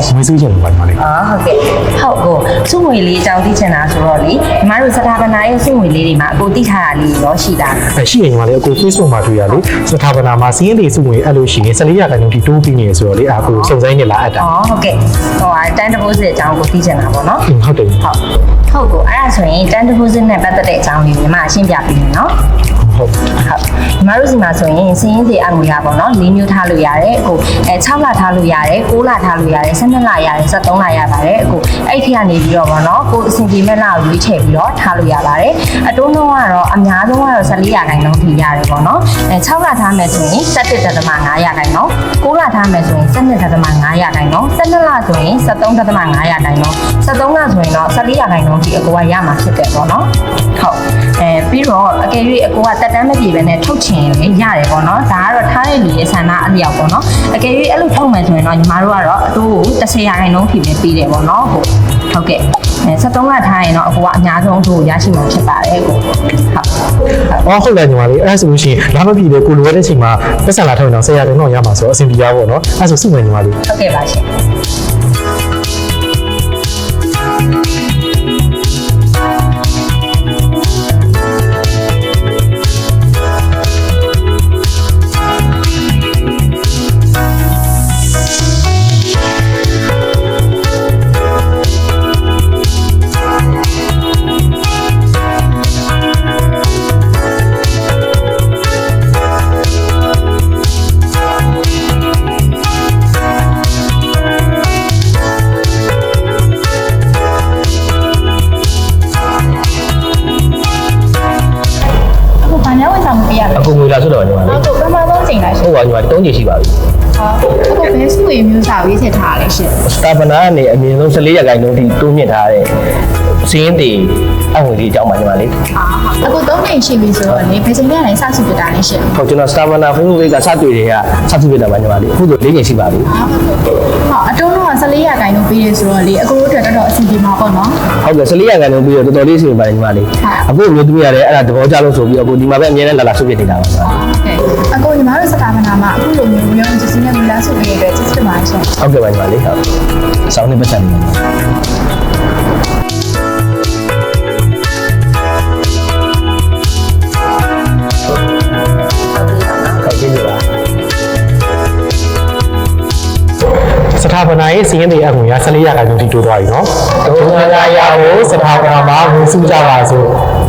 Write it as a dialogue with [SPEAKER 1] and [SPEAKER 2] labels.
[SPEAKER 1] ရှင်မွေးစုချင်လို့ပါညီမလေး
[SPEAKER 2] ဟုတ်ကဲ့ဟုတ်ကိုစုငွေလေးအကြောင်းသိချင်တာဆိုတော့လေညီမတို့စထာပနာရဲ့စုငွေလေးတွေမှာအကိုသိထားတာလေးရောရှိတာ
[SPEAKER 1] ရှိရင်ညီမလေးအကို Facebook မှာတွေ့ရလေစထာပနာမှာစီးရင်တွေစုငွေအဲ့လိုရှိရင်14ရာခိုင်နှုန်းထိတိုးပြီးနေဆိုတော့လေအကိုစုံစမ်းနေလာအပ်တာ
[SPEAKER 2] ဟုတ်ကဲ့တန် deposit အကြောင်းကိုသိချင်တာပေါ့နော်
[SPEAKER 1] ဟုတ်တယ်
[SPEAKER 2] ဟုတ်ကိုအဲ့ဒါဆိုရင်တန် deposit နဲ့ပတ်သက်တဲ့အကြောင်းလေးညီမရှင်းပြပေးမယ်နော်
[SPEAKER 1] ဟုတ်
[SPEAKER 2] ညီမတို့စီမှာဆိုရင်စင်းရင်းစီအငွေရပါတော့၄မျိုးထားလို့ရတယ်အခု6လထားလို့ရတယ်9လထားလို့ရတယ်12လရတယ်13လရပါတယ်အခုအဲ့ဒီကနေပြီးတော့ပေါ့နော်ကိုအစဉ်ပြေမဲ့လကိုရွေးချယ်ပြီးတော့ထားလို့ရပါတယ်အတိုးနှုန်းကတော့အများဆုံးကတော့14ရာခိုင်နှုန်းထိရတယ်ပေါ့နော်6လထားမယ်ဆိုရင်17.5ရာခိုင်နှုန်း9လထားမယ်ဆိုရင်12.5ရာခိုင်နှုန်း12လဆိုရင်13.5ရာခိုင်နှုန်း13လဆိုရင်တော့14ရာခိုင်နှုန်းထိအကိုကရမှာဖြစ်တယ်ပေါ့နော်ဟုတ်ပြီးတော့အကယ်၍အကိုကတက်တန်းမပြေပဲနဲ့ထုတ်ချင်ရင်ရတယ်ပေါ့နော်ဒါကတော့ထားတဲ့လူရဲ့ဆန္ဒအလျောက်ပေါ့နော်အကယ်၍အဲ့လိုထုတ်မယ်ဆိုရင်တော့ညီမတို့ကတော့အတိုးကို10ရာခိုင်နှုန်းထိပဲပေးတယ်ပေါ့နော်ဟုတ်ကဲ့73လထားရင်တော့အကိုကအများဆုံးအတိုးရရှိမှာဖြစ်ပါတယ်ကို
[SPEAKER 1] ဟုတ်တယ်ညီမလေးအဲ့ဆိုလို့ရှိရင်လာမပြေတဲ့ကိုလိုရတဲ့အချိန်မှာပတ်စံလာထုတ်ရင်တော့10ရာခိုင်နှုန်းရမှာဆိုတော့အဆင်ပြေရပါတော့အဲ့ဆိုစုမယ်ညီမလေး
[SPEAKER 2] ဟုတ်ကဲ့ပါရှင်
[SPEAKER 3] အကုန်ငွေလာဆိုတော့ညီမလေး
[SPEAKER 4] ဟုတ်ပထမဆုံးချိန်လိုက်ရှင်
[SPEAKER 3] ဟုတ်ပါညီမ3ချိန်ရှိပါပြီ
[SPEAKER 4] အခုဘယ်စုရမျိုးစာရေးချက်ထားလဲရှင်
[SPEAKER 3] စတာပနာကနေအမြင့်ဆုံး14ရာခိုင်နှုန်းထိတိုးမြင့်ထားတဲ့စင်းတွေအငွေလေးအကြောင်းပါညီမလေး
[SPEAKER 4] အခု3ချိန်ရှိပြီဆိုတော့လေဘယ်ချိန်မှလည်းစစုပြတာလဲရှင်
[SPEAKER 3] ဟုတ်ကျွန်တော်စတာပနာ Facebook ကစတွေ့တွေကစစုပြတာပါညီမလေးအခုဆို4ချိန်ရှိပါပြီ
[SPEAKER 4] ဟုတ်အတုံးတော့14ရာခိုင်နှုန်းပေးရဆိုတော့လေအခုတို့အတွက်တော်တော်အဆင်ပြေမှာပေါ့နော်
[SPEAKER 3] ဟုတ်ကဲ့14ရာခိုင်နှုန်းပေးတော့တော်တော်လေးအဆင်ပြေပါတယ်ညီမလေးအခုမျိုးသမီးရတယ်အဲ့ဒါသဘောကျလို့ဆိုပြီးအခုဒီမှာပဲအမြဲတမ်းလာဆုပြနေတာပါ
[SPEAKER 4] ဟုတ်ကဲ့အခုညီမတို့စတာပနာမှာအခုလိုမျိုးမျိုးစစ်စစ်နဲ့မူလာဆုပြရတဲ့စစ်စစ်မှာရှင်
[SPEAKER 3] ဟုတ်ကဲ့ပါညီမလေးဟုတ်ဆောင်းနေပတ်ချင်တယ်
[SPEAKER 1] စထာပနာရဲ့စီးရင်တွေအငွေရ14ရာခိုင်နှုန်းထိတိုးသွားပြီနော်။ဒုက္ခရာရာကိုစထာပနာမှာဝင်စုကြပါစို့။